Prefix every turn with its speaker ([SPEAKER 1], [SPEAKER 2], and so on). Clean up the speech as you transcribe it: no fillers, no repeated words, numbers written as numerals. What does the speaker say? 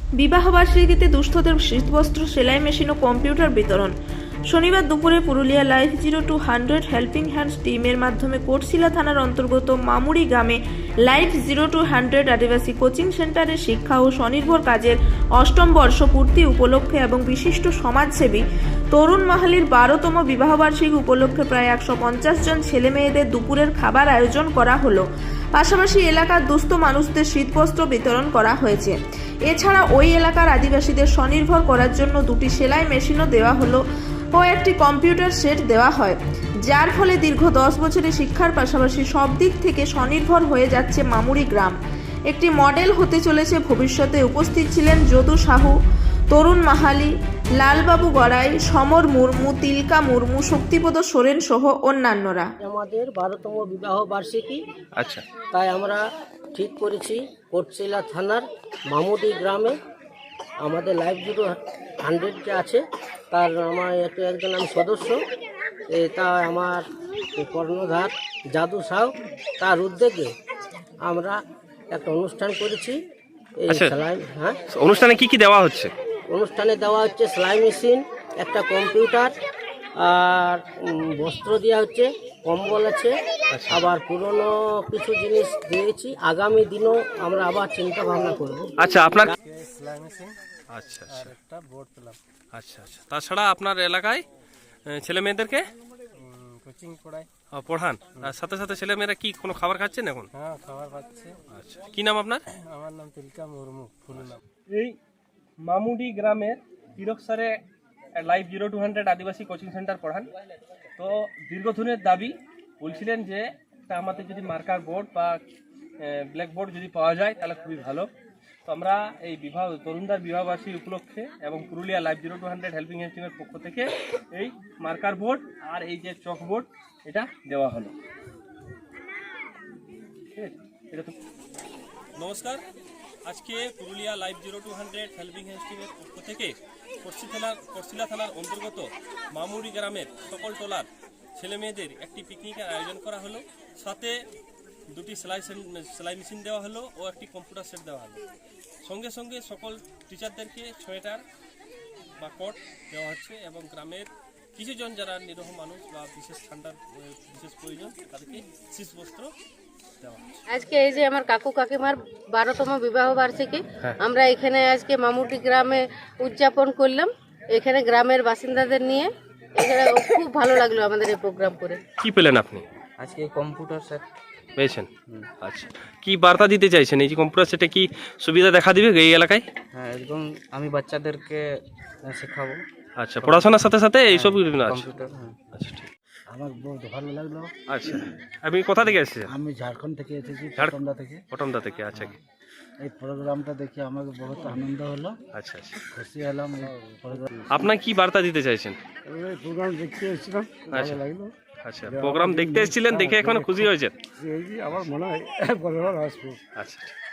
[SPEAKER 1] বিবাহবার্ষিকীতে দুস্থদের শীতবস্ত্র, সেলাই মেশিন ও কম্পিউটার বিতরণ। শনিবার দুপুরে পুরুলিয়া লাইফ 0-100 হেল্পিং হ্যান্ডস টিমের মাধ্যমে কোটশিলা থানার অন্তর্গত মামুড়ি গ্রামে লাইফ 0-100 আদিবাসী কোচিং সেন্টারের শিক্ষা ও স্বনির্ভর কাজের 8ম বর্ষ পূর্তি উপলক্ষে এবং বিশিষ্ট সমাজসেবী তরুণ মাহালির 12তম বিবাহবার্ষিকী উপলক্ষে প্রায় 150 জন ছেলে মেয়েদের দুপুরের খাবার আয়োজন করা হলো। পাশাপাশি এলাকার দুস্থ মানুষদের শীতবস্ত্র বিতরণ করা হয়েছে। এছাড়া ওই এলাকার আদিবাসীদের স্বনির্ভর করার জন্য 2টি সেলাই মেশিনও দেওয়া হলো ও একটি কম্পিউটার সেট দেওয়া হয়, যার ফলে দীর্ঘ 10 বছরের শিক্ষার পাশাপাশি সব দিক থেকে স্বনির্ভর হয়ে যাচ্ছে মামুড়ি গ্রাম। একটি মডেল হতে চলেছে ভবিষ্যতে। উপস্থিত ছিলেন যদু সাহু, তরুণ মাহালি, লালবাবু গড়াই, সমর মুর্মু, তিলকা মুর্মু, শক্তিপদ সোরেন সহ অন্যান্যরা।
[SPEAKER 2] আমাদের 12তম বিবাহ বার্ষিকী।
[SPEAKER 3] আচ্ছা,
[SPEAKER 2] তাই আমরা ঠিক করেছি কোটশিলা থানার মামুদি গ্রামে আমাদের লাইফ 0-100 যে আছে তার আমার একজন আমি সদস্য। তা আমার কর্ণধার যাদু সাউ, তার উদ্যোগে আমরা একটা অনুষ্ঠান করেছি। এই
[SPEAKER 3] আচ্ছা।
[SPEAKER 2] সেলাই, হ্যাঁ,
[SPEAKER 3] অনুষ্ঠানে কি কি দেওয়া হচ্ছে?
[SPEAKER 2] অনুষ্ঠানে দেওয়া হচ্ছে সেলাই মেশিন, একটা কম্পিউটার, আর বস্ত্র দেওয়া হচ্ছে, কম্বল আছে, আবার পুরনো কিছু জিনিস দিয়েছি। আগামী দিনও আমরা আবার চিন্তা ভাবনা করব।
[SPEAKER 3] আচ্ছা, আপনার
[SPEAKER 4] সেলাই মেশিন
[SPEAKER 3] আচ্ছা
[SPEAKER 4] আর একটা বোর্ড পেলাম।
[SPEAKER 3] আচ্ছা আচ্ছা তাছাড়া আপনার এলাকায় ছেলে মেয়েদেরকে
[SPEAKER 4] কোচিং পড়াই।
[SPEAKER 3] পড়ান, আর সাথে সাথে ছেলে মেয়েরা কি কোনো খাবার খাচ্ছেন এখন?
[SPEAKER 4] হ্যাঁ, খাবার পাচ্ছে।
[SPEAKER 3] আচ্ছা, কি নাম আপনার?
[SPEAKER 4] আমার নাম তিলকা মুর্মু, ফুল নাম।
[SPEAKER 5] এই মামুডি গ্রামের তিরকসারে লাইফ 0-100 আদিবাসী কোচিং সেন্টার পড়ান। তো দীর্ঘদিনের দাবি বলছিলেন যে একটা আমাদের যদি মার্কার বোর্ড বা ব্ল্যাকবোর্ড যদি পাওয়া যায় তাহলে খুবই ভালো। তো আমরা এই তরুণদার বিবাহবার্ষিকী উপলক্ষে এবং পুরুলিয়া লাইফ 0-100 হেল্পিং হ্যান্ড টিমের পক্ষ থেকে এই মার্কার বোর্ড আর এই যে চক বোর্ড এটা দেওয়া হলো। ঠিক আছে, এটা তো
[SPEAKER 6] নমস্কার। আজকে পুরুলিয়া লাইফ 0-100 হেল্পিং হ্যান্ডস টিমের পক্ষ থেকে কোটশিলা থানার অন্তর্গত মামুড়ি গ্রামের সকল টোলার ছেলে মেয়েদের একটি পিকনিকের আয়োজন করা হলো। সাথে 2টি সেলাই মেশিন দেওয়া হলো ও একটি কম্পিউটার সেট দেওয়া হলো। সঙ্গে সঙ্গে সকল টিচারদেরকে সোয়েটার বা কোট দেওয়া হচ্ছে এবং গ্রামের কিছুজন যারা নিরহ মানুষ বা বিশেষ ঠান্ডার বিশেষ প্রয়োজন তাদেরকে শীতবস্ত্র দেওয়া হচ্ছে।
[SPEAKER 7] আজকে এই যে আমার কাকু কাকিমার 12তম বিবাহ বার্ষিকী, আমরা এখানে আজকে মামুটি গ্রামে উদযাপন করলাম। এখানে গ্রামের বাসিন্দাদের নিয়ে এখানে খুব ভালো লাগলো আমাদের এই প্রোগ্রাম করে।
[SPEAKER 3] কি পেলেন আপনি
[SPEAKER 4] আজকে কম্পিউটার সেট
[SPEAKER 3] পেয়েছেন? আচ্ছা, কি বার্তা দিতে চাইছেন? এই যে কম্পিউটার সেটে কি সুবিধা দেখা দিবে এই এলাকায়?
[SPEAKER 4] হ্যাঁ, একদম আমি বাচ্চাদেরকে শেখাবো।
[SPEAKER 3] আচ্ছা, পড়াশোনার সাথে সাথে এইসব আছে।
[SPEAKER 4] কম্পিউটার, হ্যাঁ।
[SPEAKER 3] আচ্ছা, ঠিক।
[SPEAKER 2] আমার বহুত ভালো লাগলো।
[SPEAKER 3] আচ্ছা, আপনি কোথা থেকে এসেছেন?
[SPEAKER 2] আমি ঝাড়খণ্ড থেকে এসেছি,
[SPEAKER 3] ঝাড়খণ্ড
[SPEAKER 2] থেকে।
[SPEAKER 3] পটমদা থেকে। আচ্ছা,
[SPEAKER 2] এই প্রোগ্রামটা দেখে আমাকে বহুত আনন্দ হলো,
[SPEAKER 3] আচ্ছা আচ্ছা।
[SPEAKER 2] খুশি হলাম। এই প্রোগ্রাম
[SPEAKER 3] আপনার কি বার্তা দিতে চাইছেন?
[SPEAKER 2] দেখতে এসেছিলাম,
[SPEAKER 3] আচ্ছা
[SPEAKER 2] ভালো লাগলো।
[SPEAKER 3] আচ্ছা, প্রোগ্রাম দেখতে এসেছিলেন, দেখে এখন খুশি হয়েছেন?
[SPEAKER 2] আমার মনে হয় বড় আসবো।
[SPEAKER 3] আচ্ছা।